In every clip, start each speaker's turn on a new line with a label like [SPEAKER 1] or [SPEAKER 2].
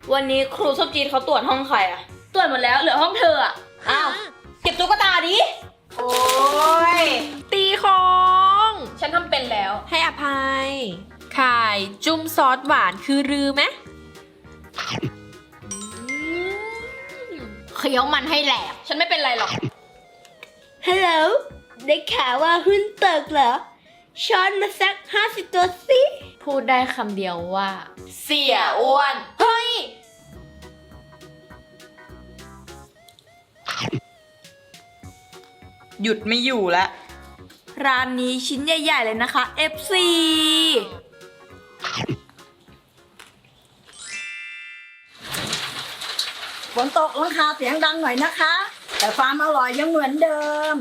[SPEAKER 1] วันนี้ครูส้มจีนเขาตรวจห้องใครอะตรวจหมดแล้วเหลือห้องเธออะอ้าวเก็บตุ๊กตาดิ
[SPEAKER 2] โอ้ย
[SPEAKER 3] ตีของ
[SPEAKER 1] ฉันทำเป็นแล้ว
[SPEAKER 3] ให้อภัยไข่จุ่มซอสหวานคือรือไหม
[SPEAKER 1] เคี้ยวมันให้แหลกฉันไม่เป็นไรหรอก
[SPEAKER 4] ฮัลโหลได้ข่าวว่าหุ้นตกเหรอช้อนมาสัก50 ตัวสิ
[SPEAKER 1] พูดได้คำเดียวว่า เสียอ้วนเฮ้ย
[SPEAKER 2] หยุดไม่อยู่แล้ว
[SPEAKER 4] ร้านนี้ชิ้นใหญ่ๆเลยนะคะ FC
[SPEAKER 5] ฝนตกหลังคาเสียงดังหน่อยนะคะ แต่ความอร่อยยังเหมือนเดิม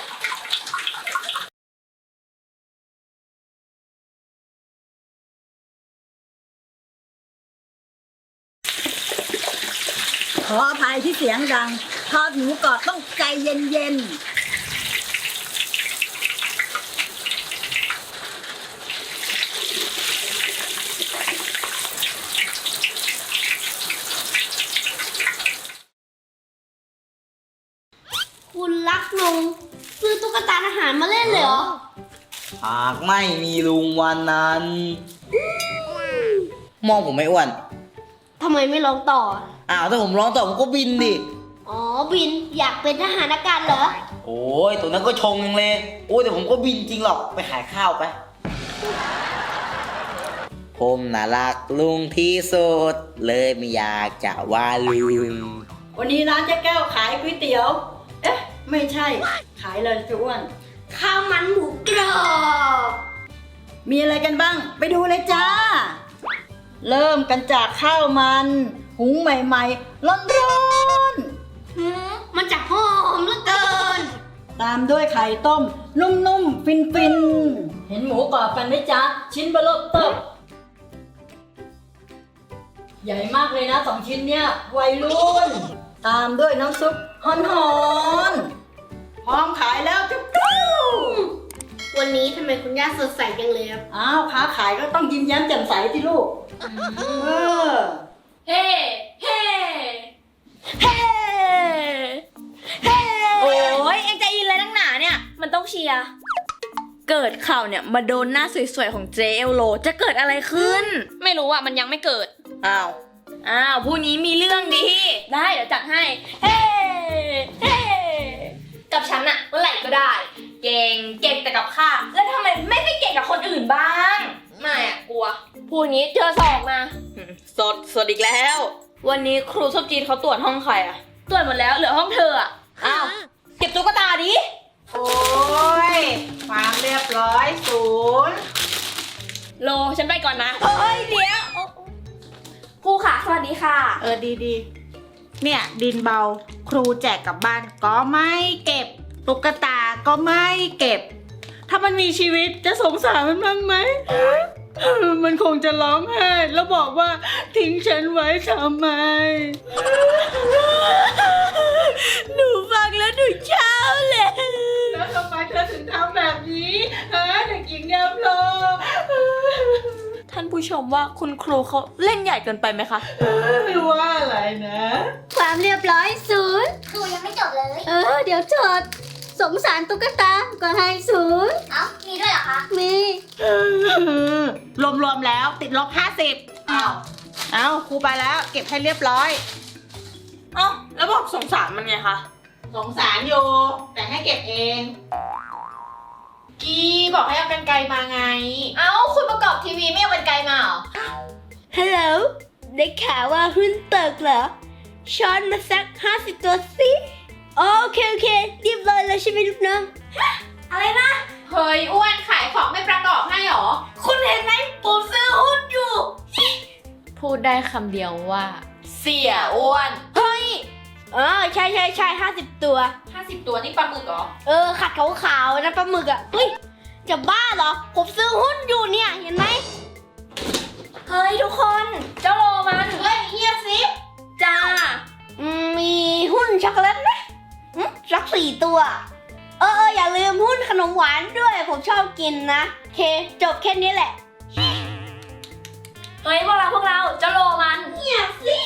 [SPEAKER 5] ขออภัยที่เสียงดังทอดหมูกรอบต้องใจเย็นๆ
[SPEAKER 4] คุณรักลุงซื้อตุ๊กตาทหารมาเล่นเลยเหรอ
[SPEAKER 6] หากไม่มีลุงวันนั้นมองผมไม่อ้วน
[SPEAKER 4] ทำไมไม่ร้องต่อ
[SPEAKER 6] อ้าวถ้าผมร้องต่อผมก็บินดิ
[SPEAKER 4] อ๋อ บินอยากเป็นทหารอากาศเหรอ
[SPEAKER 6] โอ้ยตัวนั้นก็ชงยังเลยโอ้ยแต่ผมก็บินจริงหรอกไปขายข้าวไป ผมน่ารักลุงที่สุดเลยไม่อยากจะว่าลุง
[SPEAKER 5] วันนี้ร้านเจ๊แก้วขายก๋วยเตี๋ยว เอ๊ะ ไม่ใช่ ขายเลยจะอ้วน
[SPEAKER 4] ข้าวมันหมูกรอบ
[SPEAKER 5] มีอะไรกันบ้าง ไปดูเลยจ้า เริ่มกันจากข้าวมัน หุงใหม่ๆ ร้อนๆ
[SPEAKER 4] มันจะหอมเหลือเกิน
[SPEAKER 5] ตามด้วยไข่ต้ม นุ่มๆ ฟินๆ เห็นหมูกรอบกันไหมจ๊ะ ชิ้นเบลอเติบใหญ่มากเลยนะ2 ชิ้นเนี่ยวัยรุ่น ตามด้วยน้ำซุปหอนๆ พร้อมขายแล้วจุ๊บ
[SPEAKER 4] วันนี้ทำไมคุณย่าสดใสจังเลยครับ
[SPEAKER 5] อ้าวค้าขายก็ต้องยิ้มแย้มแจ่มใสที่ลูก เออ
[SPEAKER 1] เฮ้เฮ้
[SPEAKER 4] เฮ้เฮ้
[SPEAKER 1] โอ้ยเอ็งใจอินเลยนักหนาเนี่ยมันต้องเชียร์เกิดข่าวเนี่ยมาโดนหน้าสวยๆของเจเอลโลจะเกิดอะไรขึ้น ไม่รู้อะมันยังไม่เกิดอ้าวผู้นี้มีเรื่องดีได้เดี๋ยวจัดให้เฮ้เฮ้กับฉันอะเมื่อไหร่ก็ได้ เก่งแต่กับข้าแล้วทำไมไม่ไปเก่งกับคนอื่นบ้างไม่อะกลัวพูดงี้เจอศอกมาสดอีกแล้ว วันนี้ครูส้มจีนเขาตรวจห้องใครอะตรวจหมดแล้วเหลือห้องเธออะอ้าวเก็บตุ๊กตาดิ
[SPEAKER 2] โอ้ยความเรียบร้อยศูนย์
[SPEAKER 1] โลฉันไปก่อนนะเฮ้ยเดี๋ยวครูค่ะสวัสดีค่ะ
[SPEAKER 2] ดีเนี่ยดินเบาครูแจกกลับบ้านก็ไม่เก็บตุ๊กตาก็ไม่เก็บ ถ้ามันมีชีวิตจะสงสารมันบ้างไหมมันคงจะร้องไห้แล้วบอกว่าทิ้งฉันไว้ทำไม
[SPEAKER 4] หนูฟังแล้วหนูเช้าเลย
[SPEAKER 2] แล้วทำไมเธอถึงทำแบบนี้ฮะเด็กหญิงแก้วโล
[SPEAKER 1] ท่านผู้ชมว่าคุณครูเขาเล่นใหญ่เกินไปไหมคะ
[SPEAKER 2] ไม่ว่าอะไรนะ
[SPEAKER 4] ความเรียบร้อยศูนย์
[SPEAKER 7] ครูยังไม่จบเลย
[SPEAKER 4] เดี๋ยวจดสงสารตุ๊กตาก็ให้ศูนย์
[SPEAKER 7] เอ้า มีด้วยเหรอคะ
[SPEAKER 4] มี
[SPEAKER 2] รวมๆแล้วติดลบ50เอาครูไปแล้วเก็บให้เรียบร้อย
[SPEAKER 1] เอ้าแล้วบอกสงสารมันไงคะ
[SPEAKER 2] สงสารอยู่แต่ให้เก็บเองกีบอกให้เอากรรไกรมาไง
[SPEAKER 1] เอ้าคุณประกอบทีวีไม่เอาเป็นไกลมาเหรอ
[SPEAKER 4] ฮัลโหลได้ข่าวว่าหุ้นตกเหรอช้อนมาสัก50 ตัวสิโอเคเรียบร้อยแล้วใช่ไหมลูกน้อง
[SPEAKER 1] อะไรนะ เฮ้ยอ้วนขายของไม่ประกอบให้หรอ
[SPEAKER 4] คุณเห็นไหมผมซื้อหุ้นอยู่
[SPEAKER 1] พูดได้คำเดียวว่า เสียอ้วน
[SPEAKER 4] เฮ้ยใช่50 ตัว
[SPEAKER 1] 50 ตัวนี่ปลาหมึกเหรอ
[SPEAKER 4] ขัดขาวๆนะปลาหมึกอ่ะ เฮ้ย จะบ้าเหรอ ผมซื้อหุ้นอยู่เนี่ย เห็นไหม
[SPEAKER 1] เฮ้ยทุกคนเจ้าโลมันเฮ้ยเงียบสิจ้า
[SPEAKER 4] มีหุ้นช็อกโกแลตไหมสัก4 ตัว อย่าลืมหุ้นขนมหวานด้วย ผมชอบกินนะโอเค จบแค่นี้แหละ
[SPEAKER 1] เฮ้ยพวกเราเจ้าโลมัน
[SPEAKER 4] เงียบสิ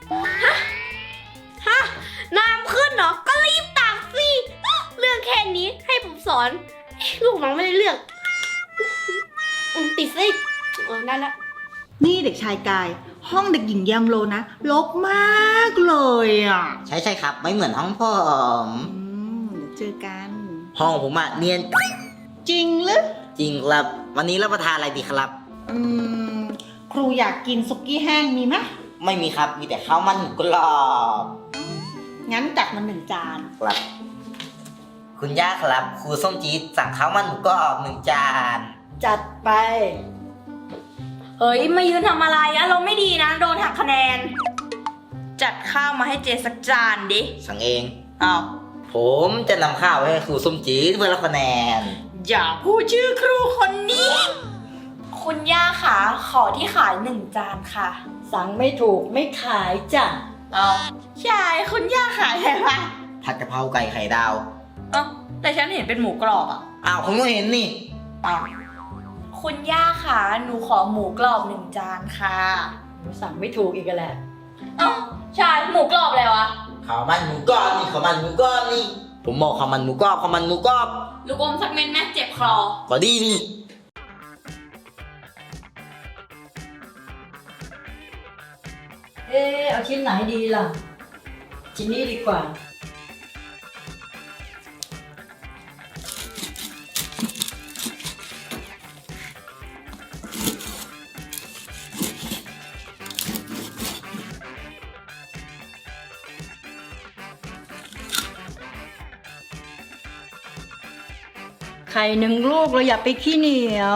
[SPEAKER 4] ฮะน้ำขึ้นเหรอ ก็รีบตักสิเรื่องแค่นี้ให้ผมสอนลูกน้องไม่ได้เรื่องติดสิได้ละ
[SPEAKER 2] นี่เด็กชายกาย ห้องเด็กหญิงแยมโลนะรกมากเลยอ่ะ
[SPEAKER 6] ใช่ครับ ไม่เหมือนห้องผม
[SPEAKER 2] เดี๋ยวเจอกัน
[SPEAKER 6] ห้องผมอะเนียน
[SPEAKER 2] จริงหรือ
[SPEAKER 6] จริงครับ วันนี้รับประทานอะไรดีครับ
[SPEAKER 2] ครูอยากกินสุกี้แห้งมีไหม
[SPEAKER 6] ไม่มีครับ มีแต่ข้าวมันหมูกรอบ
[SPEAKER 2] งั้นจัดมา1 จาน
[SPEAKER 6] ครับ คุณย่าครับ ครูส้มจี๊ดสั่งข้าวมันหมูกรอบ1 จาน
[SPEAKER 5] จัดไป
[SPEAKER 1] เฮ้ยมายืนทำอะไรอะเราไม่ดีนะ โดนหักคะแนน จัดข้าวมาให้เจสักจานดิ
[SPEAKER 6] สั่งเอง
[SPEAKER 1] อ้าว
[SPEAKER 6] ผมจะนำข้าวไปให้ครูส้มจี๊ดเพื่อรับคะแนน
[SPEAKER 1] อย่าพูดชื่อครูคนนี้ คุณย่าขาขอที่ขาย1 จานค่ะ
[SPEAKER 5] สั่งไม่ถูกไม่ขายจ้ะ
[SPEAKER 1] เอาใช่คุณย่าขายอะไรวะ
[SPEAKER 6] ผัดกะเพราไก่ไข่ดาว
[SPEAKER 1] เอ้าแต่ฉันเห็นเป็นหมูกรอบอะ
[SPEAKER 6] อ้าวผมก็เห็นนี่
[SPEAKER 1] อ้าวคุณย่าขาหนูขอหมูกรอบ1 จานค่ะ
[SPEAKER 5] สั่งไม่ถูกอีกแหละ
[SPEAKER 1] เอ้าใช่หมูกรอบอะไรวะ
[SPEAKER 6] ข้าวมันหมูกรอบนี่ข้าวมันหมูกรอบนี่ ผมบอกข้าวมันหมูกรอบข้าวมันหมูกรอบ
[SPEAKER 1] ลูกอมสักเม็ดแม่เจ็บคอ
[SPEAKER 6] ก็ดีนี่
[SPEAKER 5] เอาชิ้นไหนดีล่ะ ชิ้นนี้ดีกว่า ไข่1 ลูกเราอย่าไปขี้เหนียว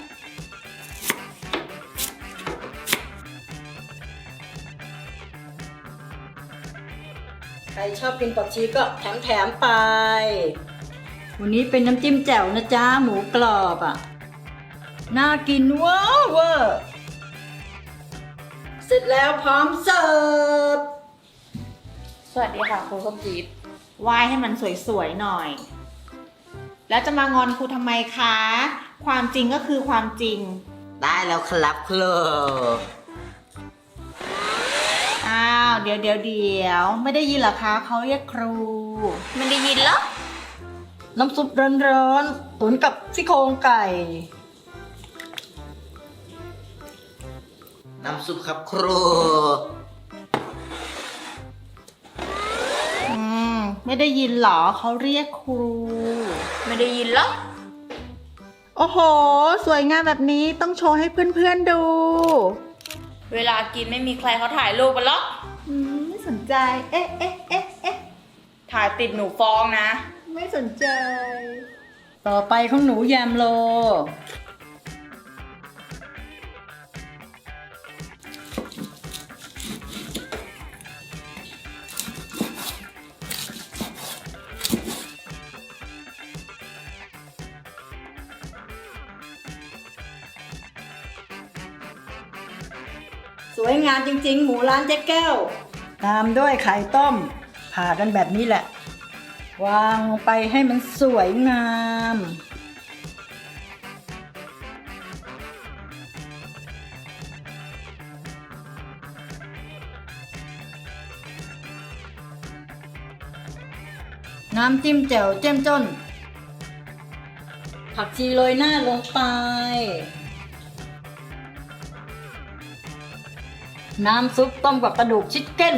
[SPEAKER 5] ใครชอบกินผักชีก็แถมไป วันนี้เป็นน้ำจิ้มแจ่วนะจ๊ะ หมูกรอบอ่ะ น่ากินเว้าวเวอร์เสร็จแล้วพร้อมเสิร์ฟ
[SPEAKER 1] สวัสดีค่ะครูส้มจี๊ด
[SPEAKER 2] วายให้มันสวยๆหน่อย แล้วจะมางอนครูทำไมคะ ความจริงก็คือความจริง
[SPEAKER 6] ได้แล้วครับครู
[SPEAKER 2] อ้าว เดี๋ยวไม่ได้ยินเหรอคะเขาเรียกครู
[SPEAKER 1] ไม่ได้ยินเหรอ
[SPEAKER 5] น้ำซุปร้อนๆตุ๋นกับซี่โครงไก่
[SPEAKER 6] น้ำซุปครับครู
[SPEAKER 2] ไม่ได้ยินเหรอเขาเรียกครู
[SPEAKER 1] ไม่ได้ยินเหรอ
[SPEAKER 2] โอ้โห สวยงามแบบนี้ต้องโชว์ให้เพื่อนๆดู
[SPEAKER 1] เวลากินไม่มีใครเขาถ่ายรูปกันหรอก
[SPEAKER 2] ไม่สนใจ เอ๊ะ
[SPEAKER 1] ถ่ายติดหนูฟ้องนะ
[SPEAKER 2] ไม่สนใจ
[SPEAKER 5] ต่อไปของหนูแยมโล สวยงามจริงๆ หมูร้านเจ๊แก้ว ตามด้วยไข่ต้ม ผ่ากันแบบนี้แหละ วางลงไปให้มันสวยงาม น้ำจิ้มแจ่วเจ้มจ้น ผักชีโรยหน้าลงไป น้ำซุปต้มกับกระดูกชิคเก้น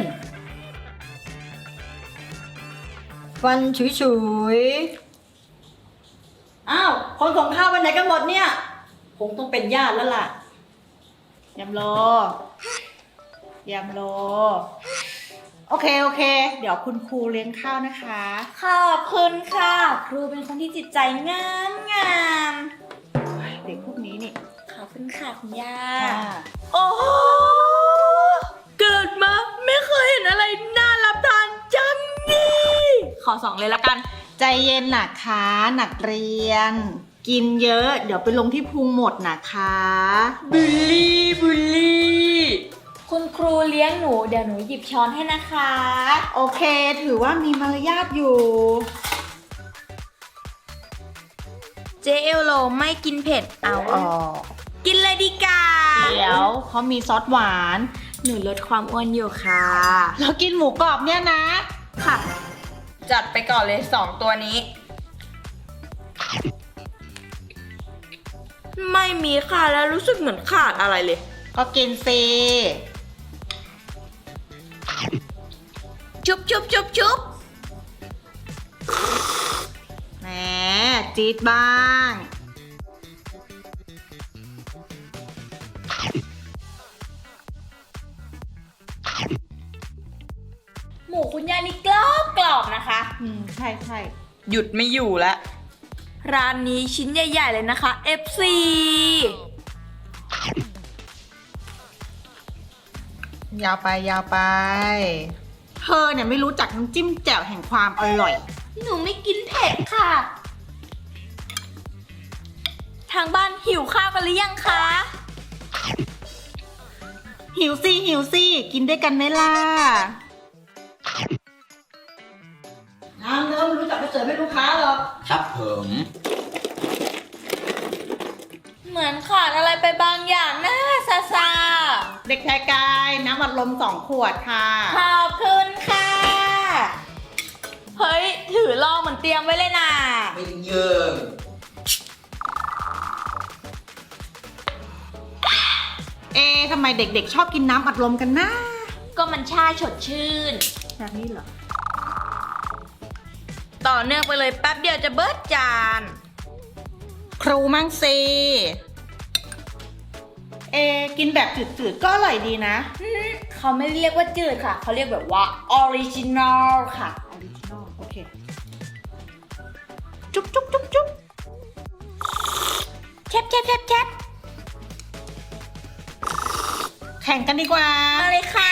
[SPEAKER 5] ฟันฉุยๆ อ้าว คนของข้าวไปไหนกันหมดเนี่ย คงต้องเป็นญาติแล้วล่ะ
[SPEAKER 2] ยำโล โอเค เดี๋ยวคุณครูเลี้ยงข้าวนะคะ
[SPEAKER 1] ขอบคุณค่ะ ครูเป็นคนที่จิตใจงาม
[SPEAKER 2] เด็กพวกนี้นี่
[SPEAKER 1] ขอบคุณค่ะคุณย่า
[SPEAKER 2] ค่ะ
[SPEAKER 1] โอ้โหเกิดมาไม่เคยเห็นอะไรน่ารับทานจังนี่ ขอ2เลยละกัน
[SPEAKER 2] ใจเย็นนะคะนักเรียน กินเยอะ เดี๋ยวไปลงที่พุงหมดนะคะ
[SPEAKER 1] บุลลี่ คุณครูเลี้ยงหนู เดี๋ยวหนูหยิบช้อนให้นะคะ
[SPEAKER 2] โอเค ถือว่ามีมารยาทอยู่
[SPEAKER 1] เจเอลโลไม่กินเผ็ดเอาออก กินเลยดีกว่า
[SPEAKER 2] เดี๋ยวเขามีซอสหวาน
[SPEAKER 1] หนูลดความอ้วนอยู่ค่ะ
[SPEAKER 2] เรากินหมูกรอบเนี่ยนะ
[SPEAKER 1] ค่ะ จัดไปก่อนเลย 2 ตัวนี้ ไม่มีค่ะแล้วรู้สึกเหมือนขาดอะไรเลย
[SPEAKER 2] ก็กินสิ
[SPEAKER 1] จุ๊บจุ๊บจุ๊บจุ๊บ
[SPEAKER 2] แหมจี๊ดบ้าง
[SPEAKER 1] หมูคุณย่านี่กรอบกรอบนะคะ
[SPEAKER 2] ใช่ใช่
[SPEAKER 1] หยุดไม่อยู่แล้ว ร้านนี้ชิ้นใหญ่ ๆ เลยนะคะ FC
[SPEAKER 2] ยาวไปยาวไป เธอเนี่ยไม่รู้จักน้ำจิ้มแจ่วแห่งความอร่อย
[SPEAKER 1] หนูไม่กินเผ็ดค่ะ ทางบ้านหิวข้าวกันหรือยังคะ
[SPEAKER 2] หิวสิหิวสิกินด้วยกันไหมล่ะ
[SPEAKER 5] น้ำเริ่มรู้จักไปเสิร์ฟให้ลูกค้าหรอก
[SPEAKER 6] ครับผม
[SPEAKER 1] เหมือนขาดอะไรไปบางอย่างนะซาซา
[SPEAKER 2] เด็กชายกายน้ำอัดลม2 ขวดค่ะ
[SPEAKER 1] ขอบคุณค่ะ เฮ้ย ถือลองเหมือนเตรียมไว้เลยนะ
[SPEAKER 6] ไม่เยิง
[SPEAKER 2] ทำไมเด็กๆชอบกินน้ำอัดลมกันนะ
[SPEAKER 1] ก็มันชาสดชื่น
[SPEAKER 2] แบบนี้เหรอ
[SPEAKER 1] ต่อเนื่องไปเลยแป๊บเดียวจะเบิดจาน
[SPEAKER 2] ครูมั่งสิกินแบบจืดๆก็อร่อยดีนะ
[SPEAKER 1] เขาไม่เรียกว่าจืดค่ะ เขาเรียกแบบว่าออริจินอลค่ะ
[SPEAKER 2] ออริจินอลโอเค จุ๊บจุ๊บจุ๊บจุ๊บ
[SPEAKER 1] แคบแคบแคบแคบ
[SPEAKER 2] แข่งกันดีกว่า
[SPEAKER 1] มาเลยค่ะ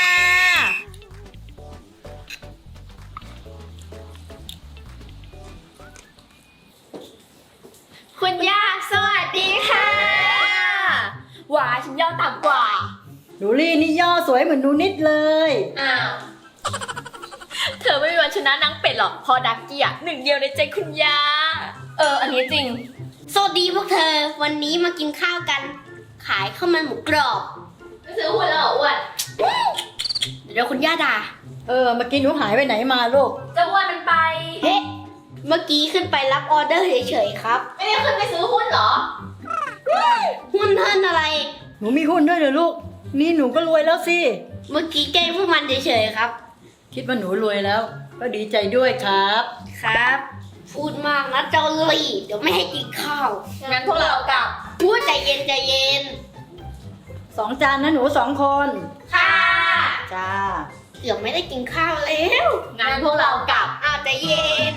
[SPEAKER 4] คุณย่าสวัสดีค่ะ
[SPEAKER 1] หวาฉันย่อต่ำกว่า
[SPEAKER 5] หนูลี่นี่ย่อสวยเหมือนหนูนิดเลย
[SPEAKER 1] อ้าว เธอไม่มีวันชนะนางเป็ดหรอกเพอดักกี้อ่ะหนึ่งเดียวในใจคุณย่า อันนี้จริง
[SPEAKER 4] สวัสดีพวกเธอ วันนี้มากินข้าวกัน ขายข้าวมันหมูกรอบ
[SPEAKER 1] ไม่ซื้อหัวแล้วอ้วน
[SPEAKER 4] เดี๋ยวคุณย่าด่า
[SPEAKER 5] เมื่อกี้หนูหายไปไหนมาลูก
[SPEAKER 1] จะอ้วนมันไป
[SPEAKER 4] เฮ้เมื่อกี้ขึ้นไปรับออเดอร์เฉยๆครับ
[SPEAKER 1] ไม่ได้ขึ้นไปซื้อหุ้นเหรอ
[SPEAKER 4] หุ้นเทินอะไร
[SPEAKER 5] หนูมีหุ้นด้วยเหรอลูก นี่หนูก็รวยแล้วสิ
[SPEAKER 4] เมื่อกี้แกล้งพวกมันเฉยๆครับ
[SPEAKER 5] คิดว่าหนูรวยแล้ว ก็ดีใจด้วยครับ
[SPEAKER 4] ครับ พูดมากนะเจ้าลี่เดี๋ยวไม่ให้กินข้าว
[SPEAKER 1] งั้นพวกเรากลับ
[SPEAKER 4] พูดใจเย็นใจเย็น
[SPEAKER 5] 2 จานนะหนู2 คน
[SPEAKER 1] ค่ะ
[SPEAKER 5] จ้า
[SPEAKER 4] เดี๋ยวไม่ได้กินข้าวแล้ว
[SPEAKER 1] งั้นพวกเรากลับ
[SPEAKER 4] อ้าวใจเย็น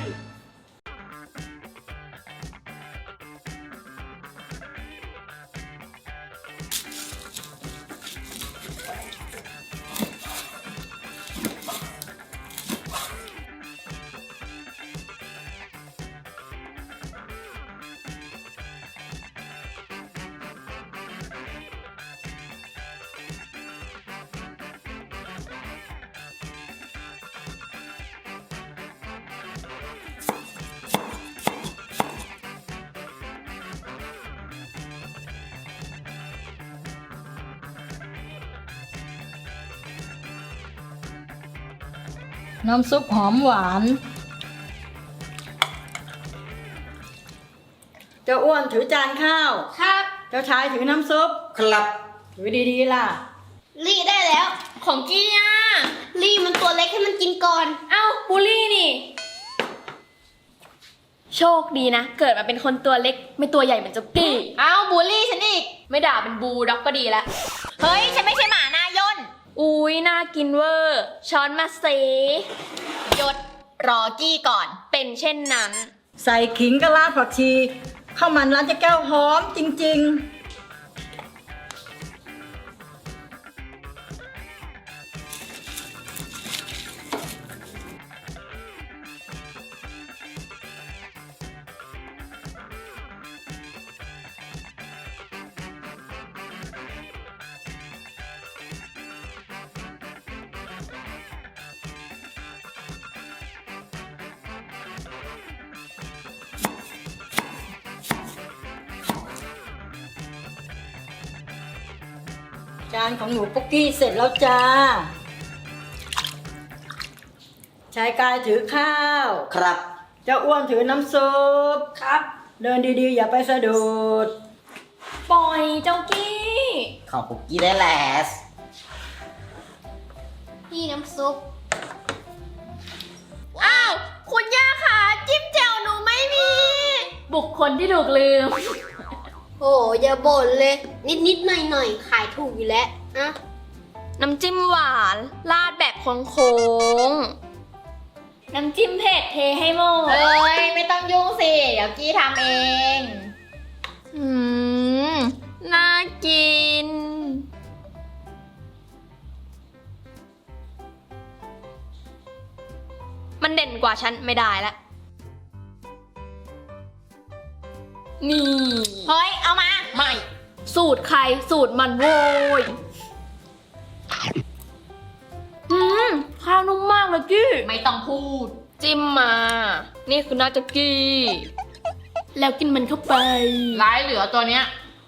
[SPEAKER 5] น้ำซุปหอมหวาน เจ้าอ้วนถือจานข้าว
[SPEAKER 4] ครับ
[SPEAKER 5] เจ้าชายถือน้ำซุป
[SPEAKER 6] ครับ
[SPEAKER 5] ถือดีๆล่ะ
[SPEAKER 4] ลี่ได้แล้ว
[SPEAKER 1] ของกี้อ่ะ
[SPEAKER 4] ลี่มันตัวเล็กให้มันกินก่อน
[SPEAKER 1] เอ้าบูลลี่นี่ โชคดีนะ เกิดมาเป็นคนตัวเล็ก ไม่ตัวใหญ่เหมือนเจ้ากี้ เอ้าบูลลี่ฉันอีก ไม่ด่าเป็นบูด็อกก็ดีแล้ว เฮ้ย ฉันไม่ใช่หมานายน อุ้ยน่ากินเวอร์ ช้อนมาเซหยดรอกี้ก่อน เป็นเช่นนั้น
[SPEAKER 5] ใส่ขิงกะลาผักชีข้าวมันร้านเจ๊แก้วหอมจริงๆจานของหนูปุ๊กกี้เสร็จแล้วจ้าชายกายถือข้าว
[SPEAKER 6] ครับ
[SPEAKER 5] เจ้าอ้วนถือน้ำซุป
[SPEAKER 1] ครับ
[SPEAKER 5] เดินดีๆ อย่าไปสะดุด
[SPEAKER 1] ปล่อยเจ้ากี้
[SPEAKER 6] ของปุกกี้ได้แหละ
[SPEAKER 4] นี่น้ำซุป
[SPEAKER 1] อ้าว คุณย่าค่ะ จิ้มแจ่วหนูไม่มี บุคคลที่ถูกลืม
[SPEAKER 4] โอ้อย่าบ่นเลย นิดๆหน่อยๆขายถูกอยู่แล้วนะ
[SPEAKER 1] น้ำจิ้มหวานราดแบบโค้งๆน้ำจิ้มเผ็ดเทให้หมด
[SPEAKER 3] เอ้ย ไม่ต้องยุ่งสิ เดี๋ยวกี้ทำเอง
[SPEAKER 1] น่ากิน มันเด่นกว่าฉันไม่ได้ละ นี่
[SPEAKER 3] เฮ้ย เอามา
[SPEAKER 1] ไม่ สูตรใครสูตรมันโว้ยข้าวนุ่มมากเลยกี้
[SPEAKER 3] ไม่ต้องพูด
[SPEAKER 1] จิ้มมา นี่คือน่าจะกี้ แล้วกินมันเข้าไป
[SPEAKER 3] ร้ายเหลือตัวเนี้ย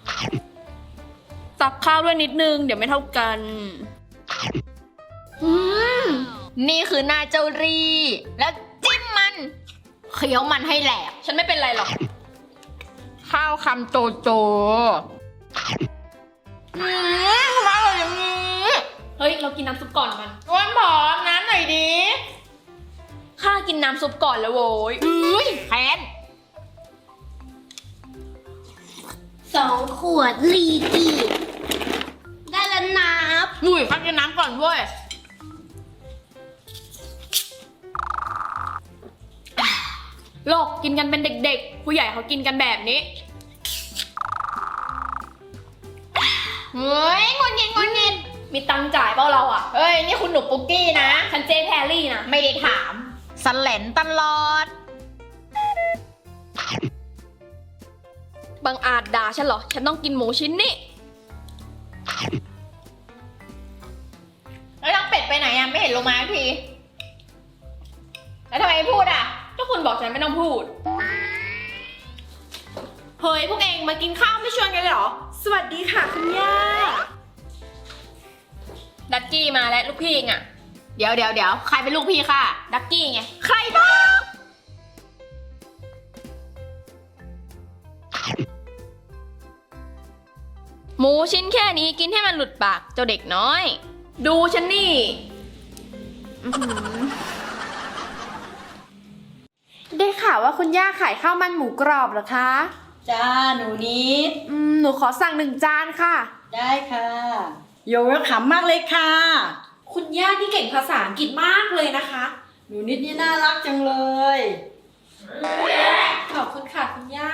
[SPEAKER 1] ตักข้าวด้วยนิดนึง เดี๋ยวไม่เท่ากัน
[SPEAKER 3] นี่คือหน้าเจ้ารี แล้วจิ้มมัน เคี้ยวมันให้แหลก
[SPEAKER 1] ฉันไม่เป็นไรหรอก
[SPEAKER 3] ข้าวคำโจโจทำไมอร่อยอย่างนี้
[SPEAKER 1] เฮ้ย เรากินน้ำซุปก่อนมัน
[SPEAKER 3] อ้วนผอมน้ำหน่อยดิ
[SPEAKER 1] ข้ากินน้ำซุปก่อนแล้วโว้ย
[SPEAKER 3] แค้น
[SPEAKER 4] 2 ขวดลีกีได้แล้วนับ
[SPEAKER 3] อุ้ยพักกินน้ำก่อนเว้ย
[SPEAKER 1] โลกกินกันเป็นเด็กๆ ผู้ใหญ่เขากินกันแบบนี้
[SPEAKER 3] เฮ้ยงุนงิดงุนงิด
[SPEAKER 1] มีตังค์จ่ายเปล่าเราอ่ะ
[SPEAKER 3] เฮ้ย นี่คุณหนูปุกกี้นะ
[SPEAKER 1] ฉันเจแพรรี่นะ
[SPEAKER 3] ไม่ได้ถามสแลนตลอด
[SPEAKER 1] บางอาจด่าฉันเหรอ ฉันต้องกินหมูชิ้นนี้
[SPEAKER 3] แล้วนางเป็ดไปไหนอ่ะ ไม่เห็นลงมาสักที แล้วทำไมไม่พูดอ่ะ
[SPEAKER 1] ก็คุณบอกฉันไม่ต้องพูด เฮ้ย พวกเองมากินข้าวไม่ชวนกันเลยเหรอ สวัสดีค่ะคุณย่า ดักกี้มาแล้วลูกพี่เองอะ
[SPEAKER 3] เดี๋ยว ใครเป็นลูกพี่ค่ะ
[SPEAKER 1] ดักกี้ไง
[SPEAKER 3] ใครบ้าง
[SPEAKER 1] หมูชิ้นแค่นี้กินให้มันหลุดปากเจ้าเด็กน้อย ดูฉันนี่
[SPEAKER 7] ได้ข่าวว่าคุณย่าขายข้าวมันหมูกรอบเหรอคะ
[SPEAKER 5] จ้าหนูนิด
[SPEAKER 7] หนูขอสั่ง1 จานค่ะ
[SPEAKER 5] ได้ค่ะโยเวลคัมมากเลยค่ะ
[SPEAKER 7] คุณย่านี่เก่งภาษาอังกฤษมากเลยนะคะ
[SPEAKER 5] หนูนิดนี่น่ารักจังเลย
[SPEAKER 7] ขอบคุณค่ะคุณย่า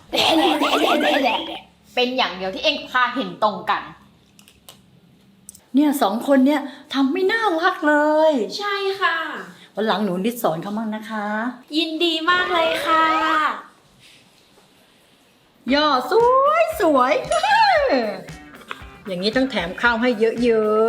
[SPEAKER 3] เป็นอย่างเดียวที่เองข้าเห็นตรงกัน
[SPEAKER 5] เนี่ย2 คนเนี่ยทำไม่น่ารักเลย
[SPEAKER 7] ใช่ค่ะ
[SPEAKER 5] วันหลังหนูนิดสอนเขามั่งนะคะ
[SPEAKER 7] ยินดีมากเลยค่ะ
[SPEAKER 5] ย่อสวย อย่างนี้ต้องแถมข้าวให้เยอะ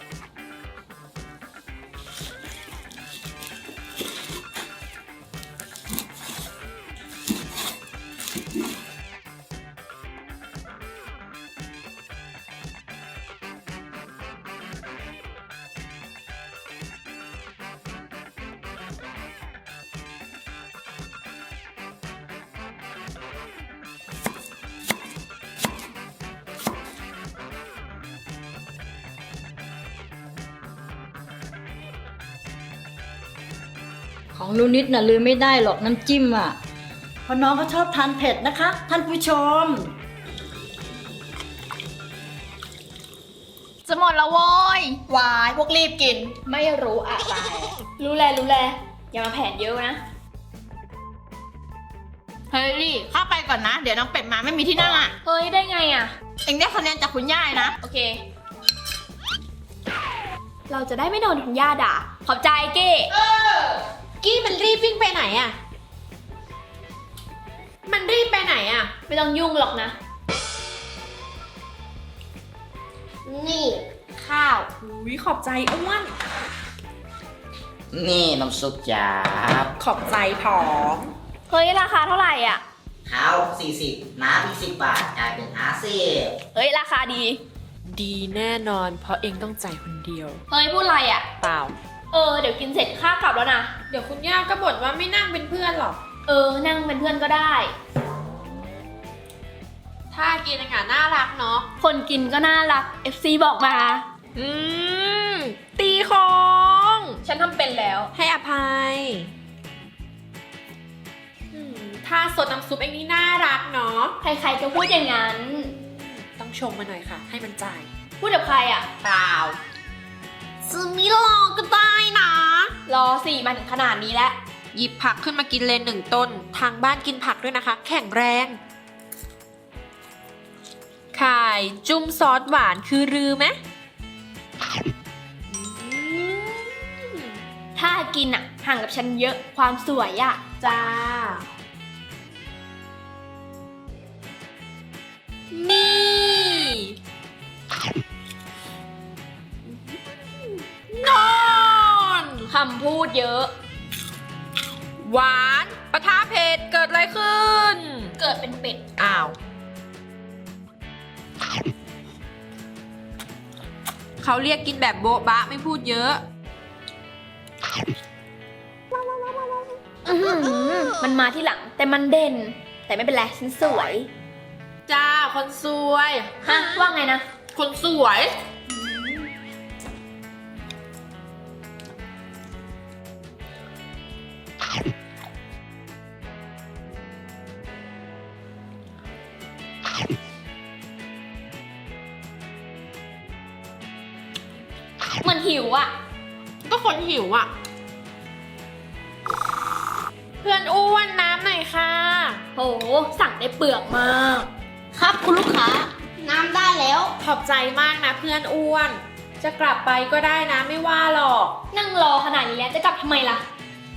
[SPEAKER 5] ๆ ของหนูนิดน่ะลืมไม่ได้หรอกน้ำจิ้มอ่ะเพราะน้องเขาชอบทานเผ็ดนะคะ ท่านผู้ชม
[SPEAKER 3] จะหมดแล้วโว้ยวายพวกรีบกิน ไม่รู้อะไร
[SPEAKER 1] รู้แลอย่ามาแผนเยอะนะ
[SPEAKER 3] เฮ้ยรีเข้าไปก่อนนะ เดี๋ยวน้องเป็ดมาไม่มีที่นั่งอ่ะ
[SPEAKER 1] เฮ้ย ได้ไงอะ
[SPEAKER 3] เองได้คะแนนจากคุณย่ายนะ
[SPEAKER 1] โอเค เราจะได้ไม่โดนคุณย่าด่า ขอบใจเก้
[SPEAKER 7] กี้มันรีบวิ่งไปไหนอะมันรีบไปไหนอะ
[SPEAKER 1] ไม่ต้องยุ่งหรอกนะ
[SPEAKER 4] นี่
[SPEAKER 7] ข้าวอุ้ยขอบใจอ้วน
[SPEAKER 6] นี่น้ำซุปจ้าบ
[SPEAKER 7] ขอบใจผอม
[SPEAKER 1] เฮ้ย ราคาเท่าไหร่อ่ะ
[SPEAKER 6] ข้าว40 น้ำอีก10 บาทกลายเป็น50
[SPEAKER 1] เฮ้ย ราคาดี
[SPEAKER 8] ดีแน่นอนเพราะเองต้องจ่ายคนเดียว
[SPEAKER 1] เฮ้ยพูดอะไรอ่ะ
[SPEAKER 8] เปล่า
[SPEAKER 1] เดี๋ยวกินเสร็จข้ากลับแล้วนะ
[SPEAKER 8] เดี๋ยวคุณย่าก็บ่นว่าไม่นั่งเป็นเพื่อนหรอก
[SPEAKER 1] นั่งเป็นเพื่อนก็ได้
[SPEAKER 8] ถ้ากินอาหารน่ารักเนาะ
[SPEAKER 1] คนกินก็น่ารัก FC บอกมา
[SPEAKER 8] ตีของ
[SPEAKER 1] ฉันทำเป็นแล้ว
[SPEAKER 8] ให้อภัยถ้าสดน้ำซุปเองนี่น่ารักเนาะ
[SPEAKER 1] ใครๆก็พูดอย่างนั้น
[SPEAKER 8] ต้องชมมาหน่อยค่ะ ให้มันจ่าย
[SPEAKER 1] พูดกับใครอ่ะ
[SPEAKER 8] เปล่า
[SPEAKER 3] ซื้อมิลอก็ได้นะ
[SPEAKER 1] รอสิมาถึงขนาดนี้แล้ว
[SPEAKER 8] หยิบผักขึ้นมากินเลย1 ต้น ทางบ้านกินผักด้วยนะคะ แข็งแรงไข่จุ่มซอสหวานคือรือไหม
[SPEAKER 1] ถ้ากินอ่ะห่างกับฉันเยอะความสวยอ่ะ
[SPEAKER 8] จ้า นี่ นอน
[SPEAKER 1] คำพูดเยอะ
[SPEAKER 8] หวานปะทะเผ็ดเกิดอะไรขึ้น
[SPEAKER 1] เกิดเป็นเป็ด
[SPEAKER 8] อ้าว เขาเรียกกินแบบโบ๊ะบะไม่พูดเยอะ
[SPEAKER 1] มันมาที่หลังแต่มันเด่น แต่ไม่เป็นไรฉันสวย
[SPEAKER 8] จ้า คนสวย
[SPEAKER 1] ฮะ ว่าไงนะ
[SPEAKER 8] คนสวย
[SPEAKER 1] เหมือนหิวอ่ะ
[SPEAKER 8] ก็คนหิวอ่ะ เพื่อนอ้วนน้ำหน่อยค่ะ
[SPEAKER 1] โห สั่งได้เปลือกมาก
[SPEAKER 4] ครับคุณลูกค้า น้ำได้แล้ว
[SPEAKER 8] ขอบใจมากนะเพื่อนอ้วน จะกลับไปก็ได้นะไม่ว่าหรอก
[SPEAKER 1] นั่งรอขนาดนี้แล้วจะกลับทำไมล่ะ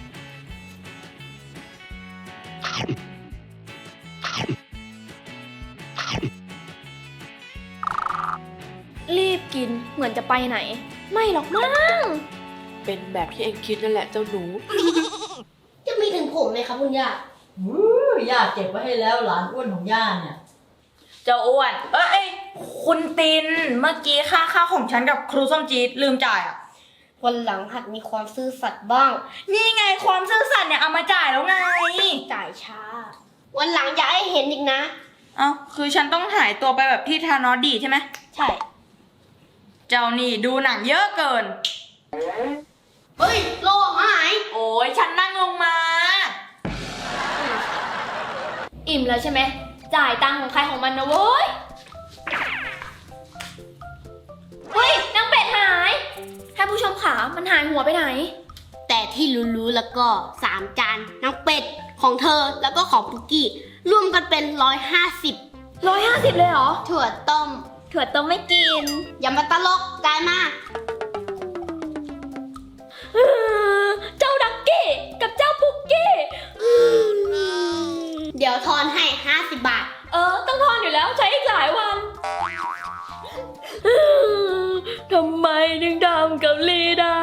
[SPEAKER 1] รีบกินเหมือนจะไปไหน ไม่หรอกมั้ง
[SPEAKER 8] เป็นแบบที่เองคิดนั่นแหละเจ้าหนู
[SPEAKER 4] จะมีถึงผมไหมครับคุณย่า
[SPEAKER 5] ย่าเก็บไว้ให้แล้วหลานอ้วนของย่าเนี่ย
[SPEAKER 2] เจ้าอ้วน คุณติน เมื่อกี้ค่าข้าวของฉันกับครูส้มจี๊ดลืมจ่ายอ่ะ
[SPEAKER 4] วันหลังหัดมีความซื่อสัตย์บ้าง
[SPEAKER 2] นี่ไงความซื่อสัตย์เนี่ยเอามาจ่ายแล้วไง
[SPEAKER 4] จ่ายช้า วันหลังอย่าให้เห็นอีกนะ
[SPEAKER 2] เอ้าคือฉันต้องหายตัวไปแบบที่ธานอสดีใช่ไหม
[SPEAKER 4] ใช่
[SPEAKER 2] เจ้านี่ดูหนังเยอะเกิน
[SPEAKER 4] เฮ้ย โลหาย
[SPEAKER 2] โอ้ยฉันนั่งลงมา
[SPEAKER 1] อิ่มแล้วใช่ไหม จ่ายตังค์ของใครของมันนะเว้ย เฮ้ยนางเป็ดหายท่านผู้ชมขามันหายหัวไปไหน
[SPEAKER 4] แต่ที่รู้ๆแล้วก็ 3 จานน้ำเป็ดของเธอแล้วก็ของปุกกี้รวมกันเป็น 150
[SPEAKER 1] 150 เลยเหรอ
[SPEAKER 4] ถั่วต้ม
[SPEAKER 1] ถั่วต้มไม่กิน
[SPEAKER 4] อย่ามาตลกจ่ายมา
[SPEAKER 1] เจ้าดักกี้กับเจ้าปุกกี้
[SPEAKER 4] เดี๋ยวทอนให้ 50 บาท
[SPEAKER 1] ต้องทอนอยู่แล้วใช้อีกหลายวัน ทำไมถึงทำกับลีได้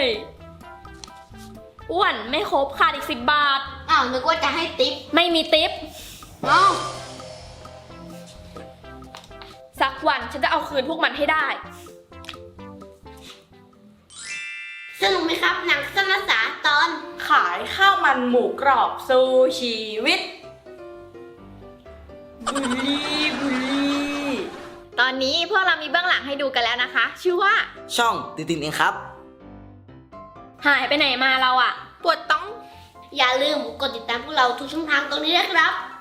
[SPEAKER 1] อ้วนไม่ครบขาดอีก10 บาท
[SPEAKER 4] อ้าว นึกว่าจะให้ติ๊บ
[SPEAKER 1] ไม่มีติป
[SPEAKER 4] เอ้า
[SPEAKER 1] สักวันฉันจะเอาคืนพวกมันให้ได้
[SPEAKER 4] สนุกไหมครับ หนังสั้นภาษาตอน
[SPEAKER 2] ขายข้าวมันหมูกรอบสู้ชีวิต บุรีบุรี
[SPEAKER 1] ตอนนี้พวกเรามีเบื้องหลังให้ดูกันแล้วนะคะ ชื่อว่า
[SPEAKER 6] ช่องตินเองครับ
[SPEAKER 1] หายไปไหนมาเราอะ
[SPEAKER 8] ปวดต้อง
[SPEAKER 4] อย่าลืมกดติดตามพวกเราทุกช่องทางตรงนี้นะครับ